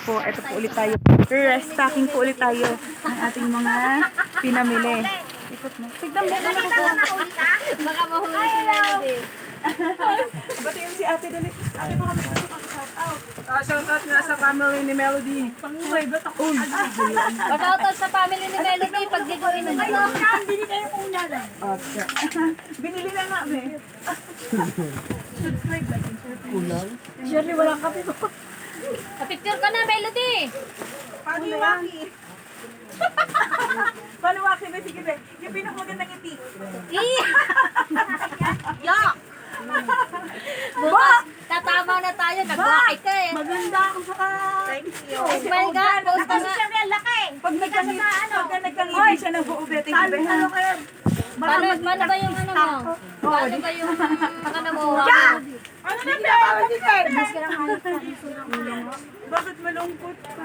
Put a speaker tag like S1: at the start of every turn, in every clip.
S1: po, ito po ulit tayo. Restocking po ulit tayo ng ating mga pinamili. Ikot mo. Tignan mo.
S2: Baka mahuli si Melody.
S1: Ba't yun si ate dali? Ate baka mag-shout out.
S3: Shoutout nga sa family ni Melody.
S1: Panguhay, ba't ako?
S2: Pagkautot sa family ni Melody, pag gagawin na nito.
S1: Bili kayo una lang. Okay. Binili na nga, be. Subscribe like and share. Kulang? Shirley, walang kape ko.
S2: Picture ka na, Melody.
S1: Panuwaki. Panuwaki, be. Sige, be. Yung pinakamagandang ngiti.
S2: Yak! Bukas, tatama na tayo. Nag-wakay ka eh.
S1: Maganda ako sa Thank you.
S2: Oh my God, post ka na.
S1: Pag nagkangiti siya ng buo, be. Thank you, be.
S2: Paano ba yung ano mo? Paano ba yung ano mo?
S1: Ano na, be? Bakit malungkot ka?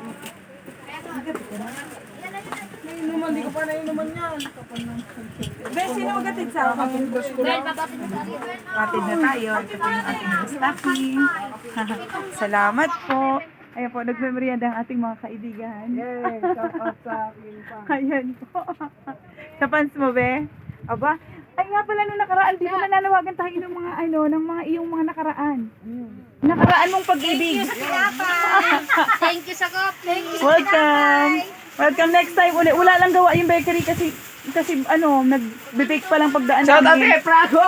S3: Inuman, di ko pa nainuman yan.
S1: Be, sino magatid sa akin?
S2: Well, mabatid na tayo.
S1: Kapatid na tayo. Ito po yung ating stocking. Salamat po. Ayan po, nagmemorianda ang ating mga kaibigan.
S3: Yay, shoutout sa akin pa.
S1: Ayan po. Sa fans mo, be? Aba, ay nga pala nung nakaraan, di ba nananawagan tayo ng mga ng mga iyong mga nakaraan? Nakaraan mong pag-ibig.
S2: Thank you, Sakop. Thank you.
S1: Welcome. Welcome next time ulit. Wala lang gawa yung bakery kasi nag-bake pa lang pagdaan
S3: Shoutout
S1: namin.
S3: kay Franco!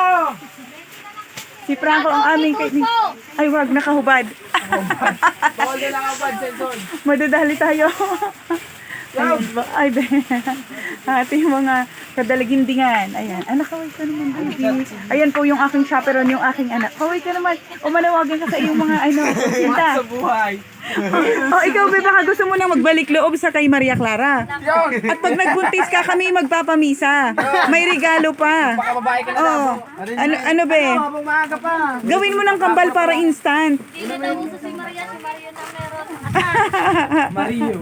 S1: Si Franco ang aming kaibigan. Ay, wag, nakahubad.
S3: Bawal na lang ang bad, Senson.
S1: Madadali tayo. Ayun ba? Ay, be. Ating mga kadalagindingan. Ayan. Anak, kaway ka naman, baby. Ayan po yung aking chaperon, yung aking anak. Kaway ka naman. O manawagan ka sa iyong mga, sinta.
S3: Sa buhay.
S1: O, ikaw, be, baka gusto mo nang magbalik loob sa kay Maria Clara.
S3: Yun!
S1: At pag nagbuntis ka, kami magpapamisa. May regalo pa.
S3: Baka babae ka na
S1: Oh,
S3: lang.
S1: ano, be?
S3: Habang maaga pa.
S1: Gawin mo ng kambal para instant.
S2: Hindi na uso si Maria. Si Maria na meron.
S3: Mario.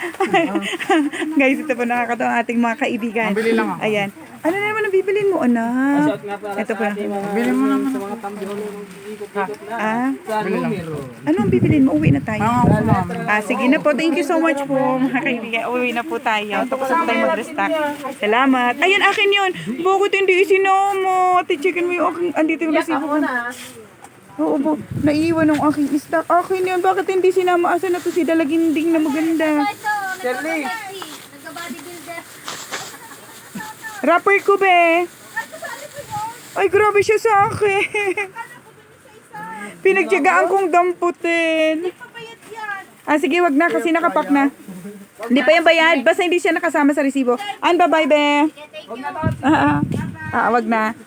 S1: Guys, ito po nakakatawa ang ating mga kaibigan.
S3: Mabili lang ako.
S1: Ayan. Ano na naman ang bibilin mo, anak?
S3: Shout nga para
S1: Ito
S3: sa
S1: po.
S3: ating mga,
S1: Bili mo naman.
S3: sa mga tambihon ng ikot-ikot na.
S1: Ah,
S3: Sa numero.
S1: ano ang bibilin mo? Uwi na tayo. Sige na po. Thank you so much po, mga kaibigan. Uwi na po tayo. Tapos na tayo mag-restock. Salamat. Ayun, akin yun. Bakit hindi isinama? Ate, checkin mo yung aking, andito yung resibo ko. Oo po. Naiiwan ng aking stock. Akin yun. Bakit hindi sinama? Asan na to si Dalaginding na maganda?
S2: Ito,
S3: Shirley.
S2: nagka-bodybuilder.
S1: Rapper ko, be. Ay, grabe siya sa akin. Pinagtyagaan kong damputin. Sige, wag na kasi nakapak na. Hindi pa yung bayad. Basta hindi siya nakasama sa resibo. An, bye-bye, be. Wag na. Wag na.